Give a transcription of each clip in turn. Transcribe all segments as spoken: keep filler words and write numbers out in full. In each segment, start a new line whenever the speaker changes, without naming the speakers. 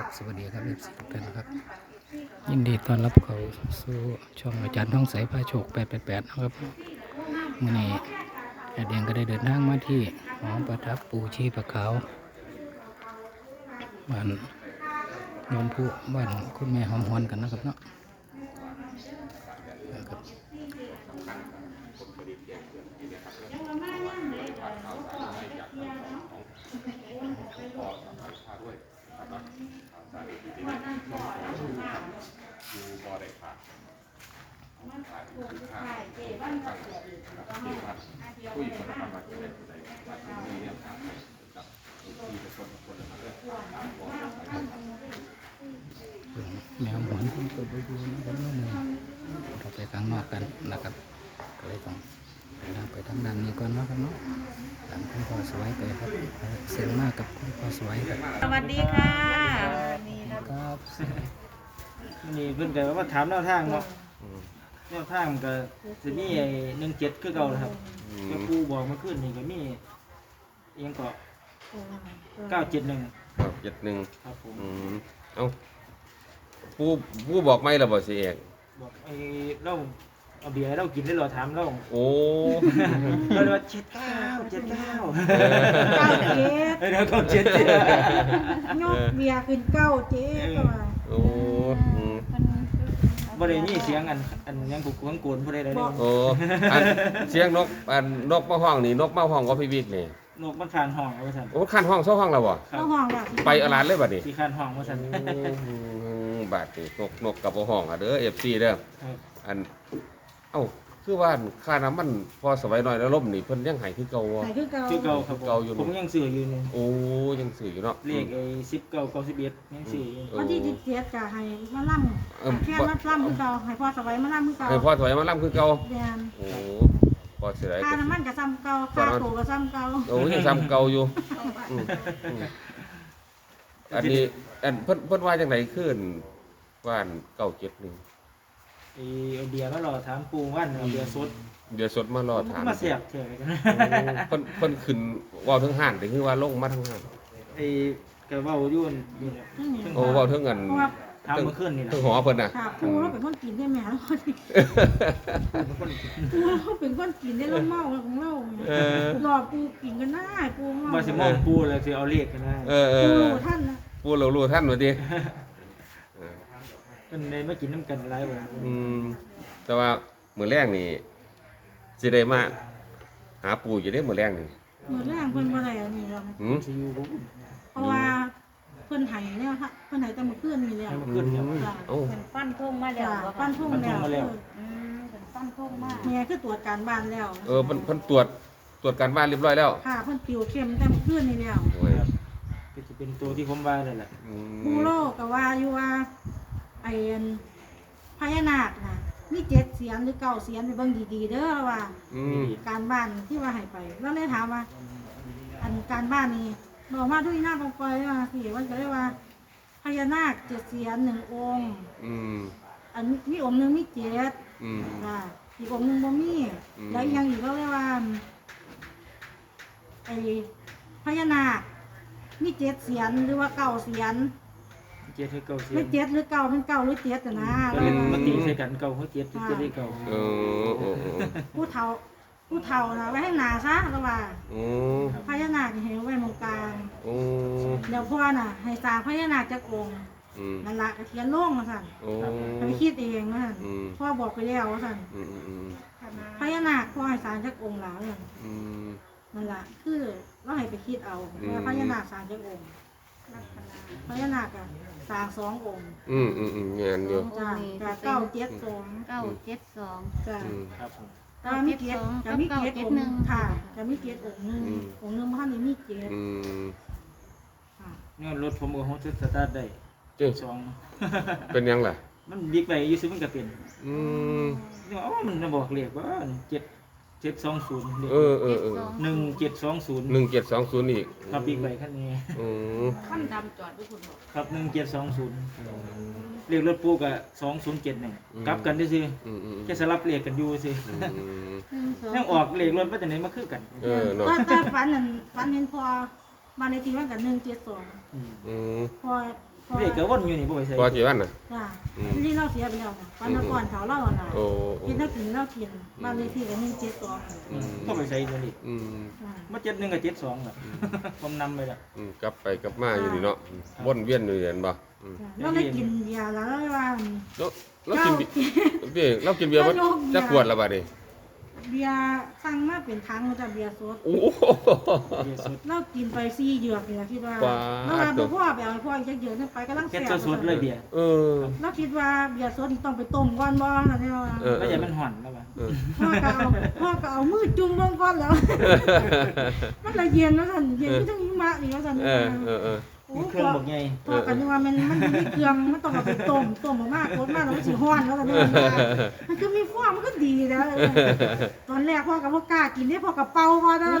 สวัสดีครับเอฟซีทุกท่านครับยินดีต้อนรับเข้าสู่ช่องอาจารย์ท่องใสพาโชคแปดแปดแปดนะครับมื่อนี้อาเดียงก็ได้เดินทางมาที่หอประทับปูชีพะขาวบ้านโนนผู้บ้านคุณแม่หอมหวนกันนะครับเนาะนะครับแมวหอนเพิ่งเปิดดูดูนะครับน้องมือเราไปข้างนอกกันนะครับก็เลยต้องเดินทางไปทางด้านนี้ก่อนนะครับเนาะตามคุณพ่อสวยไปครับเสียงมากกับคุณพ่อสวยครับ
สวัสดีค่ะ
ครับ
นี่เพิ่นก็ว่าถามแนวทางเนาะแนวทางมันก็จะมีไอ้หนึ่งเจ็ดคือเก่านะครับก็ครูบอกเมาขึ้นนี่ก็มีอิหยังก็เก้าเจ็ดหนึ่ง
ครับเจ็ดหนึ่ง
ครับผม
อืมเอ้าผู้ผู้บอกไม่ระบอกสิเอก
บอกไอ้เราเอาเบียร์ให้เรากินได้เหรอถามเรา
โอ้
เราเลยว่าเจ็ดเก้าเจ็ดเก้า
เก้าเจ็ด
เออเดี๋ยวเก้าเจ็ดเจ็ด
ยกเบียร์ขึ้นเก้าเจ็ดก็ว่า
โอ้อืม
บ่ได้มีเสียงอันอันหยังกุกกังโกนผู้ใดใดเลย
โอ้อันเสียงนกอันนกมาห้องนี่นกมาห้องก็พี่วิกนี่
นกมันคานห้องเอาไว้สั่น
โอ้คันห้องเช่าห้องแล้วบ่
ครั
ต้
บ
องห้องแบบ
ไปอลานเลยบัดนี้
ที่คานห้องว่าสั่น
อืมบาดนี่นกนกกับบ่ห้องอ่ะเด้อ เอฟ ซี เด้อ
ครับ
อันเอ้าคือว่าค่าน้ำมันพอสบายหน่อยแล้วล่มนี่เพิ่นยังให้คือเก่าบ่
ไหนคือเก่า
คือเก่าครับ
เก่าอยู่
ผมยังซื้ออยู่นี่
โอ้ยังสื่ออยู่เนาะ
เลขไอ้สิบเก้าเก้าสิบเอ็ดยังซื้ออยู่
วันที่สิบเจ็ดจะให้มาล่
เอิ่ม
ำแค่มาล่ำคือเก่าให้พ่อสบายมาล่ำคือเก่า
ให้พ่อถอยมาล่ำคือเก่า
เรียน
โอ้พอเสียดาย
ค่าน้ำมันกับซ้ำเก่าค่าโตกับซ้ำเก่า
โอ้ยังซ้ำเก่าอยู่อืมอืมอันนี้อันเพิ่นเพิ่นว่าจังไดขึ้นว่านเก้าเจ็ดหนึ่ง
ไอ้เอาเบียร์มารอถามปูว่านเอาเบียร์สด
เดี๋ยวสดมารอถาม
มาเสียบเฉยกัน
โอ้เพิ่นเพิ่นขึ้นเว้าทั้งห้านหรือว่าลงมาทั้งห้าน
ไอ้กระเว้าอยู่นนี่แหละ
โอ้เว้าทั้งกัน
เพราะว่า
ถามเมื่อคืนนี่แหละ
ทั้งหอเพิ่นน่ะ
ค่ะปูเราเป็นคนกินได้ไหมเราปูเราเป็นคนกินได้เราเมาของเรา
เออ
หลอกปูกินกันได้ปูเมา
ว่าสิมองปูแล้วสิเอาเลขกันนะ
เออเอ
ปู
อ
ท่านนะ
พูดเรารู้ท่านว่าติเออ
เพิ่นได้มากินน้ำกันหลายวัน
อืมแต่ว่ามื้อแรกนี่สิได้มาหาปู่อยู่ได้มื้อแรกนี่
เหมือนแรกเพิ่นบ่ได้อันนี้หรอก
หืม
สิอยู่บ่
เพราะว่าเพิ่นไห้แล้วค่ะเพิ่นไห้แต่เมื่อคืนนี่แล้ว
ให้มาขึ้นเนี่ย
จ้ะ
เอ้า
เป็นปั้นทุ่งมาแล้ว
จ้ะ
บ่
ปั้นทุ่งแล้ว
ปั้นทุ่งมาแล้ว
อืมเป็นปั้นทุ่งมาก
เมียคือตรวจการบ้านแล้ว
เออเพิ่นเพิ่นตรวจตรวจการบ้านเรียบร้อยแล้ว
ค่ะเพิ่นติวเข้มแต่เมื่อคืนนี่แล้ว
โอ้ย
ก็จะเป็นตัวที่ผมว่านั่นแหละ
อืม
ผู้โลกก็ว่าอยู่ว่าไอ้อันพญานาคน่ะมีเจ็ดเสียนหรือเก้าเสียนไปเบิ่งดีๆเด้อว่า
อืม
การบ้านที่ว่าให้ไปแล้วเลยถามว่า อันการบ้านนี้บอกมาทุกหน้าตรงไปว่าสิว่าก็เลยว่าพญานาคเจ็ดเสียนหนึ่งองค์
อืม
อันมีองค์หนึงมีเจ็ด
อืม
จ้ะอีกองค์หนึงบ่มี
อืม
แล้วอีกอยังอีกก็เรียกว่าไอ้พญานาคมีเจ็ดเสียนหรือว่าเก้าเสียน
เจ็ดให้เก่าเสีย
ไม่เจ็ดหรือเก้าเป็นเก้าหรือเจ็ดแต่นะ
ก็เลยมาตีใส่กันเก่าเขาเจ็ดจะได้เก่า
เออโอ้โอ้
ผู้เฒ่าผู้เฒ่านะไว้ให้หนาซะแล้วว่า
โอ้
พญานาคนี่ให้ไว้ตรงกลาง
โอ้
เดี๋ยวพ่อน่ะ ให้สร้างพญานาคจากองค์
อืม
นั่นละก็เขียนลงมาสั่น
โอ้
ให้ไปคิดเองว่าสั่น
อืม
พ่อบอกไปแล้วว่าสั่น
อืมอืมอืม
พญานาคพ่อให้สร้างจากองค์หลาสั่น
อืม
นั่นละคือเราให้ไปคิดเอา
อืม
ว่าพญานาคสร้างจากองค์พญานาคอะสร้างสององค์
อืมอืมอืมงานอยู่
จ้ะจ้ะเก้าเจ็ดสอง
เก้าเจ็ดสอง
จ้ะ
อืม
ครับผม
จะมีเกียรติจะมีเกียรติองค์หนึ่งค่ะจะมีเกียรติองค์หนึ่ง
อืม
องค์หนึ่งบ้านนี้มีเกียรติ
อืม
ค่ะ
เนี่ยรถผมก็ฮอตสตาร์ทได้
เจ้า
สอง
เป็นยังล่ะ
มันบิ๊กไปอยู่ซื้อมันก็เป็น
อืม
นี่ว่าอ๋อมันน่ะบอกเลขว่าเจ็ดเจ็ดสองศูนย์
เออเออเออ
หนึ่งเจ็ดสองศูนย์
หนึ่งเจ็ดสองศูนย์อีก
ครับบิ๊กไปคันนี้
อืม
ขั้นดำจอดด้วยคุณบอก
ครับหนึ่งเจ็ดสองศูนย์เลขรถปูกับสองศูนย์เจ็ดหนึ่งกลับกันได้ซื้อ
อืมอืม
แค่สลับเลขกันอยู่ซื้อ
อืม
หนึ่งสอง
ยังออกเลขรถมาจากไหนมาคือกัน
เออเนาะ
ก็แต่ฝันนั่นฝันเห็นพอบ้านในที่ว่ากันหนึ่งเจ็ดสอง
อืม
อืม
พอ
เด็กก็วนอยู่นี่บ่ไปใส่
พอกี่วันน่ะ
จ้า
อืม
ที่เราเสียไปแล้วนะปันก่อนเขาเล่าน่ะ
โอ้โอ้
กินแล้วกินแล้วกินบ้านเลขที่ก็หนึ่งเจ็ดสอง
อืม
บ่ไปใส่ตัวนี้
อืม
มาเจ็ดหนึ่งกับเจ็ดสองอ่ะผมนำไปละ
อืมกลับไปกลับมาอยู่นี่เนาะวนเวียนอยู่เห็นบ่อืม
เราได้กินยาแล้วว่า
แล้วเรากินเบียร์พี่เรากินเบียร์บ่จักขวดละบัดนี้
เบียร์สั่งมาเป็นถังมาจากเบียร์สด
โอ้โห
เบียร์สด
เรากินไปสี่เหยือกเนี่ยคิดว่า
ว้า
เราว่าบ่พ่อไปเอาพ่ออีกจักเหยือกนึงไปกำลัง
เฮ็ด
แซ่บ
สดๆเลยเบียร์
เออ
เราคิดว่าเบียร์สดต้องไปต้มก่อนบ่นั่นแหละว่า
เออ
ไม่ใช่มันห่อนแล้วป่ะ
เออ
พ่อก็เอาพ่อก็เอามือจุ่มลงก่อนแล้ว มันละเย็นแล้วสั่นเย็นที่ทั้งหิมะนี่ว่าสั่น
เออเออเออ
โอ้
มีเครื่องบอกไง
พ่อกันนึกว่ามันมันมีเครื่องมันต้องเอาไปต้มต้มมากๆโคตรมากแล้วมันสิฮ้อนแล้วสั่นว่ามันคือมีฟองมันก็ดีแล้วเออตอนแรกพ่อก็บ่กล้ากินเด้พ่อก็เป่าก่อนนะ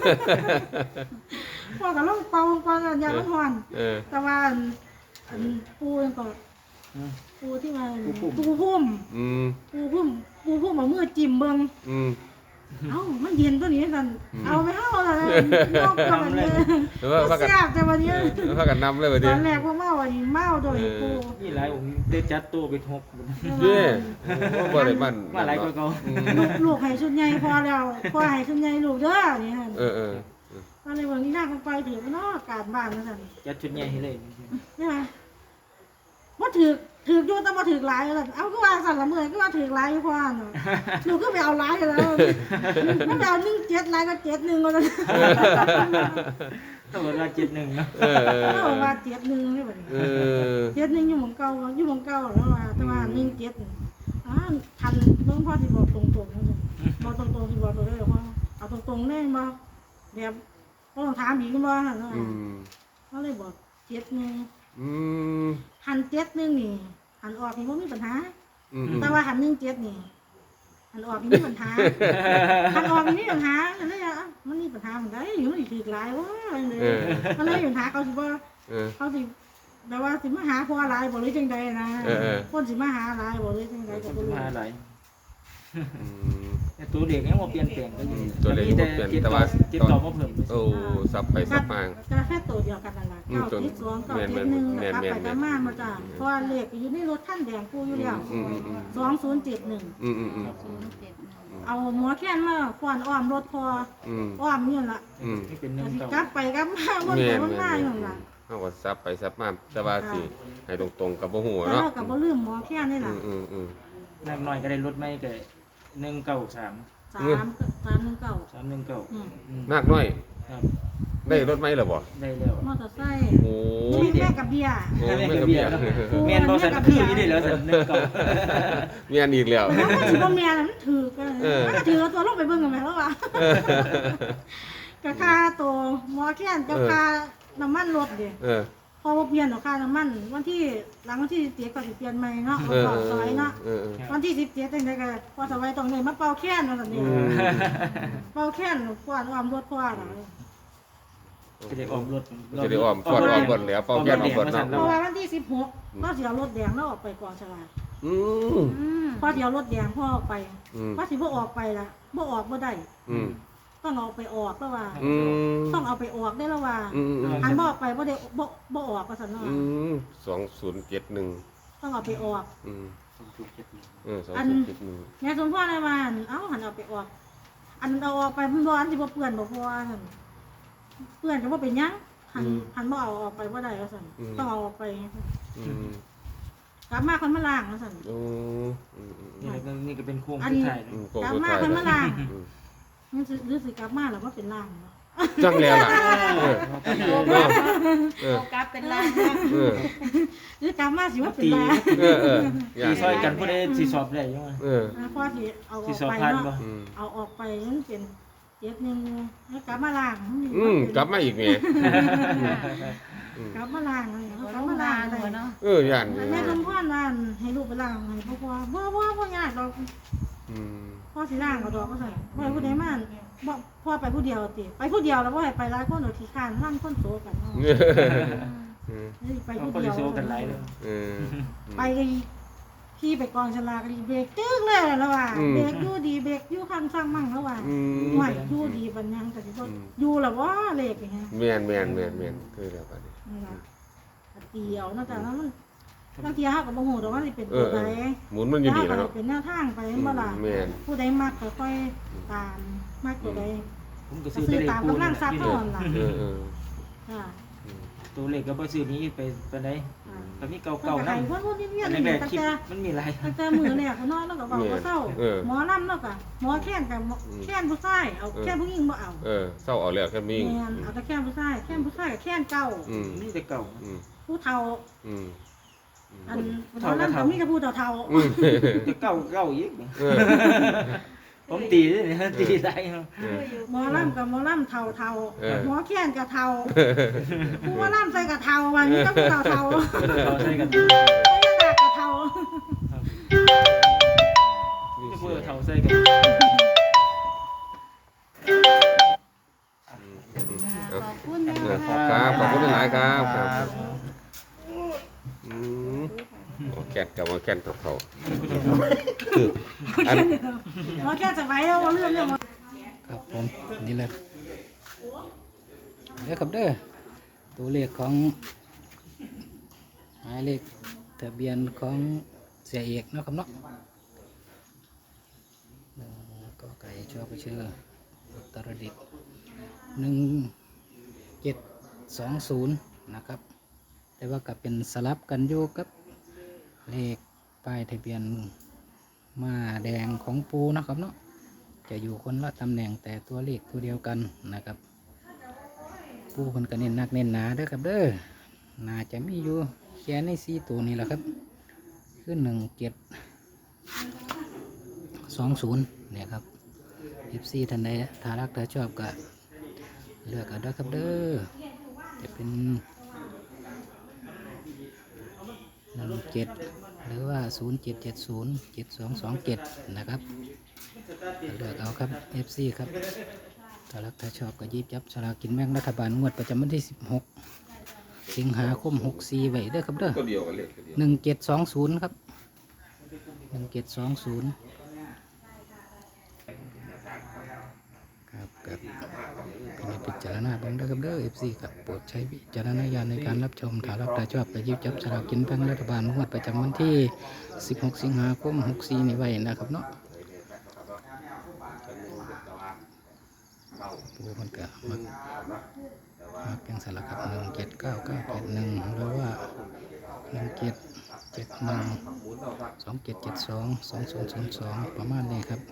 พ่อก็ลองเป่าก่อนอย่ามันฮ้อน
เออ
แต่ว่าอันอันปูนั่นก็
อืม
ปูที่มัน
ปูพุ่ม
ปูพุ่ม
อืม
ปูพุ่มปูพุ่มเอามือจิ้มเบิ่ง
อืม
เอ้ามันเย็นตัวนี้สั่น
อืม
เอาไปเฮาล่ะนอกจากนี้
หรือว่าพากัน
แซ่บแต่วันนี้
พากันนำเลยบัด
ต
นี้
อนแรกว่าเมาอันนี้เมาโดยปู
นี่หลายองค์ได้จัดตัวไปทบ
เด้โอ้บ่ได้มัน
ว่าหลายกว่าเก่า
อืม
ลูกลูกให้ชุดใหญ่พอแล้วพอให้ชุดใหญ่ลูกเด้อนี่ฮะ
เออเออ
ตอนนี้วันนี้น่าไปถือเนาะการบ้านนั่นสั่น
จัดชุดใหญ่ให้เลย
ใช่ไหมว่าถือถืออยู่แต่ว่าถือหลายแล้วเอาก็ว่าสั่นละเมื่อยก็ว่าถือหลายพอเนาะหนูก็ไปเอาหลายแล้วมันไปเอาหนึ่งเจ็ดหลายก็เจ็ดหนึ่งก็เลย
ต้องเวลาเจ็ดหนึ่งเนาะ
เออเออ
เอาว่าเจ็ดหนึ่งนี่แบบนี้
เออ
เจ็ดหนึ่งอยู่หมองเก่าอยู่หมองเก่าแล้วว่าแต่ว่าหนึ่งเจ็ดอ่าทันหลวงพ่อที่บอกตรงๆนั่นเลยบอกตรงๆที่บอกตัวได้หรอว่าเอาตรงๆได้บ่แบบก็ต้องถามอีกบ่หั่นว่า
อืม
เขาเลยบอกเจ็ดหนึ่ง
อืม
หันเจ็ดหนึ่งนี่หันออกนี่บ่มีปัญหา
อืม
แต่ว่าหันหนึ่งเจ็ดนี่หันออกนี่มีปัญหาหันออกนี่มีปัญหาอันนี้อ่ะมันมีปัญหาเหมือนกันอยู่มันสิถือหลายว่าเลยมันเลยมีปัญหาเขาสิบ่
เออ
เขาสิแบบว่าสิมาหาพ่อหลายบ่หรือจังใดนะ
เออเออ
คนสิมาหาหลายบ่หรือจังใดก็บ่รู้
มาหลาย
อืม
แต่ตัวเด็กยังบ่เปลี่ยนแปลงก็อยู่
ตัวเด็กบ่เปลี่ยนแต่ว่า
เจ็ดต่อมาเพิ่ม
โอ้สับไปสับมา
ก็แค่ตัวเดียวกันนั่นล่ะ
อืม
เก้าเจ็ดสองเก้า
แม่น
เจ็ดหนึ่ง
แม่น
กลับ
แม่น
ไป
แม่
กลั
น
บมามาจ้ะเพราะว่าเลขอยู่ในรถคันแดงกูอยู่แล้ว
อืมอืมอืม
สองศูนย์เจ็ดหนึ่ง
อืมอืมอืม
ศูนย์เจ็ดหนึ่ง
เอาหัวแค้นมาขวานอ้อมรถพอ
อืม
อ้อมนี่ล่ะ
อืม
ที่เป็นหนึ่ง
สิ
เก่าก
ลับไปกลับมาวน
แม่
ไป
น
วน
แม่
มาน อยู่นั่นล่ะ
เฮาก็สับไปสับมาแต่ว่าสิให้ตรงๆกับบ่ฮู้
แต่
เนาะ
เราก็บ่ลืมหมอแค้นนี่
อื
ล่ะ
มอืมอืม
นักน้อยก็ได้ลดไม่ก็หนึ่งเก้าสาม
สามสามหนึ่งเก้า
สามหนึ่งเก้า
อืม
มากน้อย
ครับ
ได้รถไหมล่ะบ่
ได้แล้ว
มอเตอร์ไซค์
โอ้
นี่แม่กับเบียร์
โอ้
แม่
แม่
กั
ก็
บ
เบี
เบี
ย
ย
ร์
ร์แม่นบ่สันคืออยู่ได้แล้วสันหนึ่งเก้า
เมียนอีกแล้ว
แล้วมันสิบ่แม่น่ะมันถือกัน
เออ
มันก็ถือเอาตัวลงไปเบิ่งกันแม่แล้วว่ะ กับค่าตัวหมอแค้นกับค่าน้ำมันรถเด้
เออ
พอบ่เปลี่ยนดอกค่าน้ำมัน วันที่หลังวันที่สิบเจ็ดก็สิเปลี่ยนใหม่เนาะ
เออ
เอา
เอ
ซอยเนาะ
อเออ
วันที่สิบเจ็ดจังไดก็พอสบายตรงนี้มาเป่าแค้นนั่นน่ะนี่
อืม
เป่าแค้นกวาดอ้อมรถกวาดอะ
จะได้ออมรถ
จะได้อ้อมฟอดอ้อมบนแล้วเป้าแก้นอ้อมบนเนาะ
เพราะว่าวันที่สิบหกก็สิเอารถแดงแล้วออกไปกองฉลาก
อืม
อืม
พอสิเอารถแดงพ่อออกไป
อืม
ว่าสิบ่ออกไปล่ะบ่ออกบ่ได้
อืม
ต้องเอาไปออกแล้วว่า
อืม
ต้องเอาไปออกได้แล้วว่า
อืมอืม
อันบ่ออกไปบ่ได้บ่บ่ออกก็ซั่นเนาะ
อืมสองศูนย์เจ็ดหนึ่ง
ต้องเอาไปออก
อืม
ถูกเจ็ดหนึ่ง
เออสองศูนย์เจ็ดหนึ่ง
แม่สมพ่อได้ว่าเอ้าหันเอาไปออก อันเอาออกไปมันร้อนสิบ่เปื้อนบ่พอหั่นเปื้อนก็บ่เป็นหยังหันหันบ่เอาออกไปบ่ได้ว่าซั่นต้องเอาออกไป
อืม
กลับมาคนมาล้างว่าซั่น
โอ้อืมอืมอื
นี่
ม
ก็นี่ก็เป็นโค้ง
อัน
สุ
นี้
ดท้าย
อืมโก
กลับ
สุด
มา
ท้าย
คนมาล้าง
อืม
มันสิรู้สึกกลับมาแล้วว่าเป็นล้างเนาะ
จังแล้วล่ะเออเนาะเออ
โฟกัสเป็นล้านนะ
เออ
หรือกลับมาสิว่าเป็นล้าง
เออเอออย่า
สีซอยกันผู้ใดสิสอบได้ยังไง
เออ
อ่าพอสิเอาอ
สิ
อก
สอบ
ไป
ผ่านบ่
เนาะ
อืม
เอาออกไปมันเป็นเจ็ดหนึงแล้วกลับมาล้าง
อืมกลับมาอีกแหม่
กลับมาล้างเลย
หัว
กลั
ล
บ
ง
มา
มา
ล้าง
ห
เล
นู
ย
เนาะ
เออย่าน
แม่สมพรว่าให้ลูกไปล้างให้พ่อพ่อบ่บ่บ่ยากดอก
อืม
พ่อสิล้างเอาดอกก็ใส่บ่ให้ผู้ใดมาบ่พ่อไปผู้เดียวติไปผู้เดียวแล้วบ่ให้ไปหลายคนดอกขี้ข้านนั่งคนโซกันเนาะ
เออ
นี่ไป
เขา
ผู้
ก็
เดี
ได้
ยว
โซกันหลายเลย
เออ
ไปก็ขี่ไปกองฉลากก็เบรกตึ้งเลยแล้วว่า
อืม
เบรกอยู่ดีเบรกอยู่ข้างสร้างมั่งแล้วว่า
อืม
ห่วยอยู่ดีปัญญังแต่สิบ่อยู่แล้วว่าเลขอย่างเงี้ย
แม่นแม่นแม่นแม่นคือแล้วบัดนี้
นี่ล่ะเตียวเนาะจ้ะแล้วมันบางทีเฮาก็บ่ฮู้ดอกว่าสิเป็น
เอ
ตัว
อ
ใด
เออหมุนมันอยู่นี่แหล้ว
เฮา
เนาะ
ก็เป็นแนวทางไปบ่ล่ะ
แม่น
ผู้ใดมักก็ค่อยตามมักตัวใด
ผมก็
ก็
ซื้อ
ซื้อ
เลข
ตาม
ปู
กำลั
นี่
งทรัพย์
นี่
เท่านั้นล่ะ
เออเออ
ค่ะ
ตัวเลขก็บ่ซื้อนี้ไปปานใด
อ่า
ก็มี
เก่า
เก่าๆ
ๆ
นำ
นำวนๆเวียน
อัน
ๆนี่
แรก
ตั้
ๆ
ง
คลิป
แต่
มันมีหลาย
ตั้งแต่มื้อแรกก็นอนแล้วก็เว้าบ่เศร้า
เออ
หมอลำแล้วก็หมอแค้นกับหมอแค้นผู้ชายเอาแค้นผู้หญิงบ่เอา
เออเศร้าเอาแล้วแค่มี
แม่นเอาแต่แค้นผู้ชายแค้นผู้ชายกับแค้นเก่า
อืม
มีแต่เก่า
อืม
ผู้เฒ่า
อืม
อัน
ผู้
หมอ
เฒ่าก็
ลำ
เฒ่า
ก็มีแต่ผู้เฒ่า
อืม
แต่เก่าเก่าอีก
เออ
ผมตีด้วยนี่ตีได้ครับ
เออ
ๆหมอลำกับหมอลำเฒ่าเฒ่า
เออ
หมอแค้นกับเฒ่าผู้ว่าลำใส่กับเฒ่าว่ามีแต่ผู้เฒ่าเฒ่า
เราใช้กัน
ไม่ได้กับเฒ่า
นี่
จะ
เสี
พูด
ย
เท่าใส่กัน
ขอบคุณนะ
เออ
คะ
ครับขอบคุณหลายๆครับครับอืมโอแกนกับโอแกนกับเขาคืออัน
หมอแค้นจะไว้เอาเรื่องเรื่องหมอ
ครับผมนี่แหละเด้อครับเด้อตัวเลขของหมายเลขทะเบียนของเสียเอกเนาะครับเนาะหนึ่งก็ไก่ชอบไปเชื่ออุตรดิตถ์หนึ่งเจ็ดสองศูนย์นะครับ แต่ว่ากับเป็นสลับกันอยู่กับเลขป้ายทะเบียนมาแดงของปูนะครับเนาะจะอยู่คนละตำแหน่งแต่ตัวเลขตัวเดียวกันนะครับ ปูคนก็เน้นหนักเน้นหนาเด้อครับเด้อน่าจะมีอยู่แค่ในสี่ตัวนี้แหละครับคือหนึ่งเจ็ดสองศูนย์เนี่ยครับสิบสี่ท่านใดถ้ารักถ้าชอบก็เลือกเอาเด้อครับเด้อจะเป็นหนึ่งเจ็ดหรือว่าศูนย์เจ็ดเจ็ดศูนย์เจ็ดสองสองเจ็ดนะครับเลือกเอาครับ เอฟ ซี ครับถ้ารักถ้าชอบก็หยิบจับสลากกินแบ่งรัฐบาลงวดประจำวันที่สิบหกสิงหาคมหกสี่ไว้เด้อครับเด้อ
ก็เดียวกันเลยก็เดียว
หนึ่งเจ็ดสองศูนย์ครับหนึ่งเจ็ดสองศูนย์ครับกับเป็นพิจารณาเบิ่งเด้อครับเด้อ เอฟ ซี ครับโปรดใช้วิจารณญาณในการรับชมถ้ารักถ้าชอบก็หยิบจับสลากกินแบ่งรัฐบาลงวดประจำวันที่สิบหกสิงหาคมหกสี่นี่ไว้นะครับเนาะปูมันก็มักมักยังสลักครับหนึ่งเจ็ดเก้าเก้าเจ็ดหนึ่งหรือว่าหนึ่งเจ็ดเจ็ดหนึ่งสองเจ็ดเจ็ดสองสองศูนย์ศูนย์สองประมาณนี้ครับ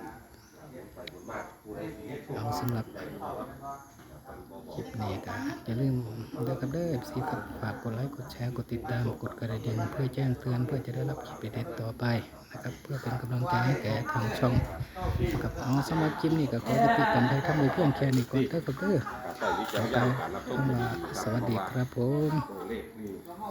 เอาสำหรับคลิปนี้ก็อย่าลืมเด้อครับเด้อสิครับฝากกดไลค์กดแชร์กดติดตามกดกระดิ่งเพื่อแจ้งเตือนเพื่อจะได้รับคลิปเด็ดๆต่อไปนะครับเพื่อเป็นกำลังใจให้แก่ทางช่องกับเอาสำหรับคลิปนี้ก็ขอจะปิดกันไปทำในเพื่อนแค่นี้ก่อนเด้อครับเด้อ
ใช้วิจารณ
ต่อ
ญา
ไป
ณการรับชม
คำว่าสวัสดีครับผม
ตัวเลขนี่